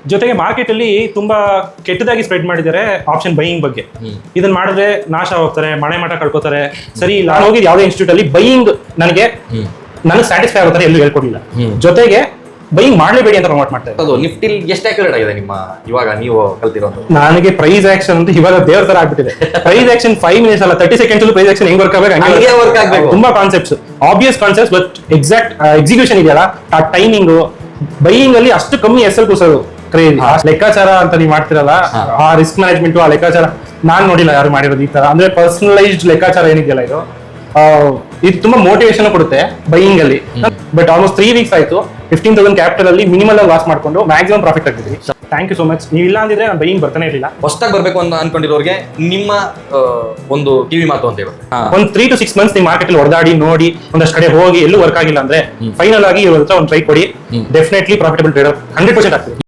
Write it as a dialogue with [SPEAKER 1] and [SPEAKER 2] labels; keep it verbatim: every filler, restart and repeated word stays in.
[SPEAKER 1] ಜೊತೆಗೆ ಮಾರ್ಕೆಟ್ ಅಲ್ಲಿ ತುಂಬಾ ಕೆಟ್ಟದಾಗಿ ಸ್ಪ್ರೆಡ್ ಮಾಡಿದ್ದಾರೆ ಆಪ್ಷನ್ ಬೈಯಿಂಗ್ ಬಗ್ಗೆ. ಇದನ್ನ ಮಾಡಿದ್ರೆ ನಾಶ ಹೋಗ್ತಾರೆ, ಮನೆ ಮಠ ಕಳ್ಕೊತಾರೆ. ಸರಿ, ನಾನು ಹೋಗಿದ್ದು ಯಾವುದೇ ಇನ್ಸ್ಟಿಟ್ಯೂಟ್ ಅಲ್ಲಿ ಬೈಯಿಂಗ್ ನನಗೆ ನನಗೆ ಸ್ಯಾಟಿಸ್ಫೈ ಆಗುತ್ತಾರೆ ಎಲ್ಲೂ ಹೇಳ್ಕೊಡ್ಲಿಲ್ಲ. ಜೊತೆಗೆ ಬೈಯಿಂಗ್ ಮಾಡ್ಲೇಬೇಡಿ ಅಂತ ಪ್ರಮೋಟ್ ಮಾಡ್ತಾರೆ.
[SPEAKER 2] ಅದು ನಿಫ್ಟಿಲ್ ಎಷ್ಟು ಆಕ್ಯುರೇಟ್ ಆಗಿದೆ ನಿಮ್ಮ ಇವಾಗ ನೀವು ಕಲ್ತಿರೋದು?
[SPEAKER 1] ನನಗೆ ಪ್ರೈಸ್ ಆಕ್ಷನ್ ಅಂತ ಇವಾಗ ದೇವ್ರ ತರ ಆಗ್ಬಿಟ್ಟಿದೆ. ಪ್ರೈಸ್ ಆಕ್ಷನ್ ಫೈವ್ ಮಿನಿಟ್ಸ್ ಅಲ್ಲ, ತರ್ಟಿ ಸೆಕೆಂಡ್ಸ್ ಪ್ರೈಸ್ ಆಕ್ಷನ್ ಹೆಂಗ್ ವರ್ಕ್ ಆಗಬೇಕು
[SPEAKER 2] ವರ್ಕ್ ಆಗಬೇಕು.
[SPEAKER 1] ತುಂಬಾ concepts, obvious concepts, but exact execution ಇದೆಯಲ್ಲ, ಆ ಟೈಮಿಂಗು ಬೈಯಿಂಗ್ ಅಲ್ಲಿ ಅಷ್ಟು ಕಮ್ಮಿ ಎಸ್ ಎಲ್ ಕೂಸೋದು ಕ್ರೇಜಿ. ಲೆಕ್ಕಾಚಾರ ಅಂತ ನೀವು ಮಾಡ್ತಿರಲ್ಲ, ಆ ರಿಸ್ಕ್ ಮ್ಯಾನೇಜ್ಮೆಂಟ್ ಆ ಲೆಕ್ಕಾಚಾರ ನಾನ್ ನೋಡಿಲ್ಲ ಯಾರು ಮಾಡಿರೋದು ಈ ತರ. ಅಂದ್ರೆ ಪರ್ಸನಲೈಸ್ಡ್ ಲೆಕ್ಕಾಚಾರ ಏನಿದೆಯಲ್ಲ ಇದು ಇದು ತುಂಬಾ ಮೋಟಿವೇಶನ್ ಕೊಡುತ್ತೆ ಬೈಯಿಂಗ್ ಅಲ್ಲಿ. ಬಟ್ ಆಲ್ಮೋಸ್ಟ್ ತ್ರೀ ವೀಕ್ಸ್ ಆಯ್ತು, ಫಿಫ್ಟೀನ್ ತೌಸಂಡ್ ಕ್ಯಾಪಿಟಲ್ ಅಲ್ಲಿ ಮಿನಿಮಲ್ ಲಾಸ್ ಮಾಡ್ಕೊಂಡು ಮ್ಯಾಕ್ಸಿಮಮ್ ಪ್ರಾಫಿಟ್ ಆಗ್ತಿದ್ವಿ. Thank you so much. ನೀವು ಇಲ್ಲ ಅಂದಿದ್ರೆ ನಾನು ಬೈಯಿಂಗ್ ಬರ್ತಾನೆ ಇರಲಿಲ್ಲ.
[SPEAKER 2] ಹೊಸದಾಗಿ ಬರ್ಬೇಕು ಅಂತ ಅನ್ಕೊಂಡಿರೋರಿಗೆ ನಿಮ್ಮ ಒಂದು ಕಿವಿ ಮಾತು ಅಂತ ಹೇಳಿ,
[SPEAKER 1] ಒಂದು ತ್ರೀ ಟು ಸಿಕ್ಸ್ ಮಂತ್ಸ್ ನೀವು ಮಾರ್ಕೆಟ್ ಅಲ್ಲಿ ಹೊಡೆದಾಡಿ ನೋಡಿ ಒಂದಷ್ಟು ಕಡೆ ಹೋಗಿ ಎಲ್ಲೂ ವರ್ಕ್ ಆಗಿಲ್ಲ ಅಂದ್ರೆ ಫೈನಲ್ ಆಗಿ ಇವ್ರ ಹತ್ರ ಒಂದು ಟ್ರೈ ಕೊಡಿ. Definitely profitable trader hundred percent ಆಗ್ತದೆ.